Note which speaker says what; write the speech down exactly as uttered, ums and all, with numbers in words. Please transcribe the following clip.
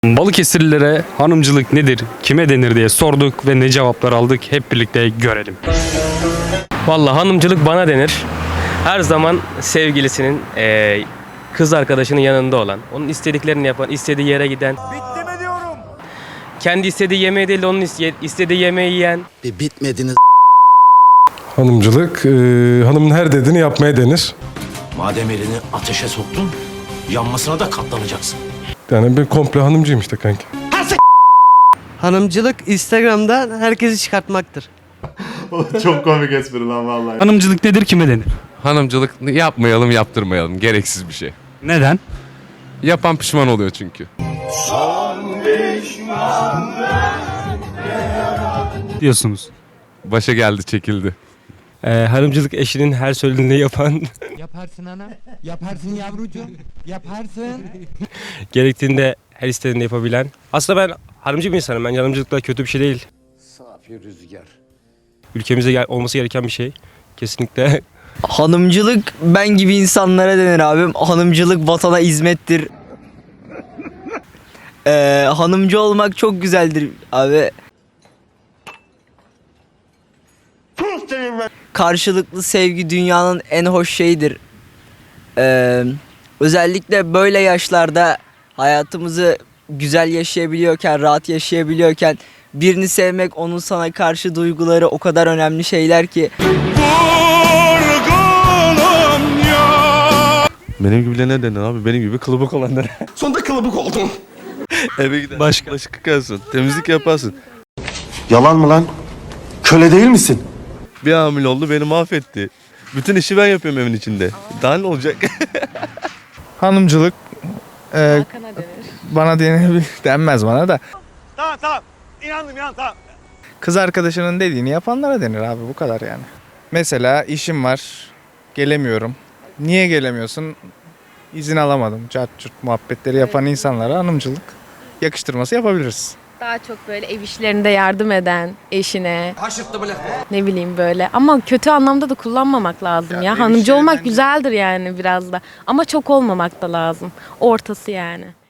Speaker 1: Balıkesirlilere hanımcılık nedir, kime denir diye sorduk ve ne cevaplar aldık hep birlikte görelim.
Speaker 2: Vallahi hanımcılık bana denir. Her zaman sevgilisinin, eee, kız arkadaşının yanında olan, onun istediklerini yapan, istediği yere giden. Bitti mi diyorum? Kendi istediği yemeği değil de onun iste- istediği yemeği yiyen.
Speaker 3: Bir bitmediniz.
Speaker 4: Hanımcılık, e, hanımın her dediğini yapmaya denir.
Speaker 3: Madem elini ateşe soktun, yanmasına da katlanacaksın.
Speaker 4: Yani ben komple hanımcıyım işte kanki.
Speaker 5: Hanımcılık Instagram'da herkesi çıkartmaktır.
Speaker 6: Çok komik espri lan vallahi.
Speaker 1: Hanımcılık nedir, kime denir?
Speaker 7: Hanımcılık yapmayalım, yaptırmayalım. Gereksiz bir şey.
Speaker 1: Neden?
Speaker 7: Yapan pişman oluyor çünkü.
Speaker 1: Diyorsunuz.
Speaker 7: Başa geldi, çekildi.
Speaker 2: Eee, hanımcılık eşinin her söylediğini yapan,
Speaker 8: Yaparsın ana. Yaparsın yavrucuğum. Yaparsın.
Speaker 2: gerektiğinde her istediğini yapabilen. Aslında ben hanımcı bir insanım. Bence hanımcılık da kötü bir şey değil.
Speaker 3: Safi rüzgar.
Speaker 2: Ülkemize gel- olması gereken bir şey. Kesinlikle.
Speaker 9: Hanımcılık ben gibi insanlara denir abim. Hanımcılık vatana hizmettir. Ee, hanımcı olmak çok güzeldir abi. Karşılıklı sevgi dünyanın en hoş şeyidir. Ee, özellikle böyle yaşlarda hayatımızı güzel yaşayabiliyorken, rahat yaşayabiliyorken birini sevmek, onun sana karşı duyguları o kadar önemli şeyler ki.
Speaker 10: Benim gibilerine denir abi. Benim gibi kılıbık olanlara.
Speaker 3: Sonunda kılıbık oldun.
Speaker 10: Eve gider. Başka. Başka yıkarsın. Temizlik yaparsın.
Speaker 6: Yalan mı lan? Köle değil misin?
Speaker 10: Bir hamile oldu beni mahvetti. Bütün işi ben yapıyorum evin içinde. Daha ne olacak?
Speaker 11: Hanımcılık e, bana denir, denmez bana da.
Speaker 6: Tamam tamam. İnandım ya tamam.
Speaker 11: Kız arkadaşının dediğini yapanlara denir abi, bu kadar yani. Mesela işim var, gelemiyorum. Niye gelemiyorsun? İzin alamadım. Cart curt muhabbetleri yapan insanlara hanımcılık yakıştırması yapabiliriz.
Speaker 12: Daha çok böyle ev işlerinde yardım eden eşine. Ne bileyim böyle. Ama kötü anlamda da kullanmamak lazım ya. Hanımcı olmak güzeldir yani biraz da. Ama çok olmamak da lazım. Ortası yani.